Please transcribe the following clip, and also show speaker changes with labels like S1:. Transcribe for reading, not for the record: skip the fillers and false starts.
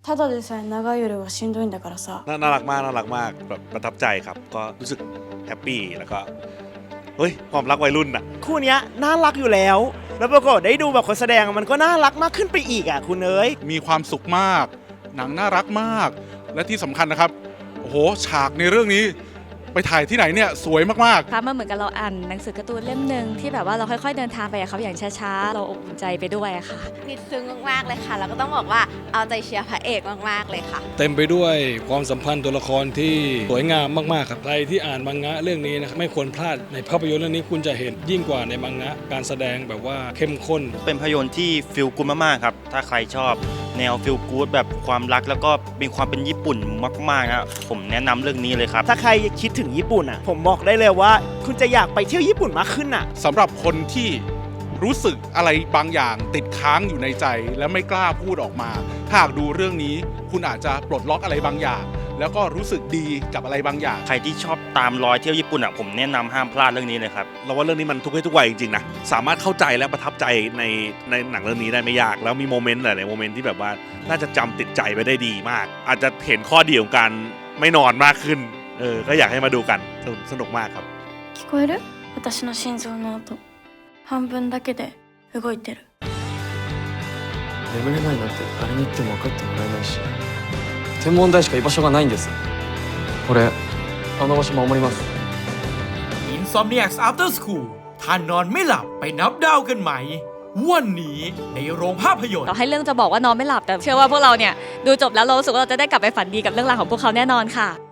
S1: ただでさえ長い夜はしんどいんだからさ。
S2: น่ารักมากน่ารักมากแบบประทับใจครับก็รู้สึกแฮปปี้แล้วก็เฮ้ยความรักวัยรุ่นอ่ะ
S3: คู่เนี้ยน่ารักอยู่แล้ว แล้วปรากฏได้ดูแบบคนแสดงมันก็น่ารักมากขึ้นไปอีกอ่ะคุณเอ๋ย
S4: มีความสุขมากหนังน่ารักมากและที่สำคัญนะครับโอ้โหฉากในเรื่องนี้ไปถ่ายที่ไหนเนี่ยสวยมากๆ
S5: ค่ะมันเหมือนกับเราอ่านหนังสือการ์ตูนเล่มหนึ่งที่แบบว่าเราค่อยๆเดินทางไปกับเขาอย่างช้าๆเราอบอุ่นใจไปด้วยค่ะ
S6: นิดซึ้งมากๆเลยค่ะแล้วก็ต้องบอกว่าเอาใจเชียร์พระเอกมากๆเลยค่ะ
S7: เต็มไปด้วยความสัมพันธ์ตัวละครที่สวยงามมากๆครับใครที่อ่านมังงะเรื่องนี้นะครับไม่ควรพลาดในภาพยนตร์เรื่องนี้คุณจะเห็นยิ่งกว่าในมังงะการแสดงแบบว่าเข้มข้น
S8: เป็นภาพยนตร์ที่ฟีลกู๊ดมากๆครับถ้าใครชอบแนวฟีลกู๊ดแบบความรักแล้วก็มีความเป็นญี่ปุ่นมากๆนะผมแนะนำเรื่องนี้เลยครับ
S3: ถ้าใครคิดถึงญี่ปุ่นอ่ะผมบอกได้เลยว่าคุณจะอยากไปเที่ยวญี่ปุ่นมากขึ้นอ่ะ
S4: สำหรับคนที่รู้สึกอะไรบางอย่างติดค้างอยู่ในใจและไม่กล้าพูดออกมาถ้าหากดูเรื่องนี้คุณอาจจะปลดล็อกอะไรบางอย่าง แล้วก็รู้สึกดีกับอะไรบางอย่าง
S8: ใครที่ชอบตามรอยเที่ยวญี่ปุ่นอ่ะผมแนะนำห้ามพลาดเรื่องนี้เลยครับ
S2: เราว่าเรื่องนี้มันทุกเพศทุกวัยจริงๆนะสามารถเข้าใจและประทับใจในหนังเรื่องนี้ได้ไม่ยากแล้วมีโมเมนต์หลายๆโมเมนต์ที่แบบว่าน่าจะจำติดใจไปได้ดีมาก อาจจะเห็นข้อดีของการไม่นอนมากขึ้นก็อยากให้มาดูกันสนุกมากครับ
S1: 聞こえる？私の心臓の音。半分だけで動いてる。
S9: 眠れないなんて誰に言っても分かってもらえないし天文台しか居場所がないんです俺あの場所守ります
S10: Insomniacs After School ท่านนอนไม่หลับไปนับดาวกันไหมวันนี้ในโรงภาพยนตร์
S5: เราให้เรื่องจะบอกว่านอนไม่หลับแต่เชื่อว่าพวกเราเนี่ยดูจบแล้วเรารู้สึกว่าเราจะได้กลับไปฝันดีกับเรื่องราวของพวกเขาแน่นอนค่ะ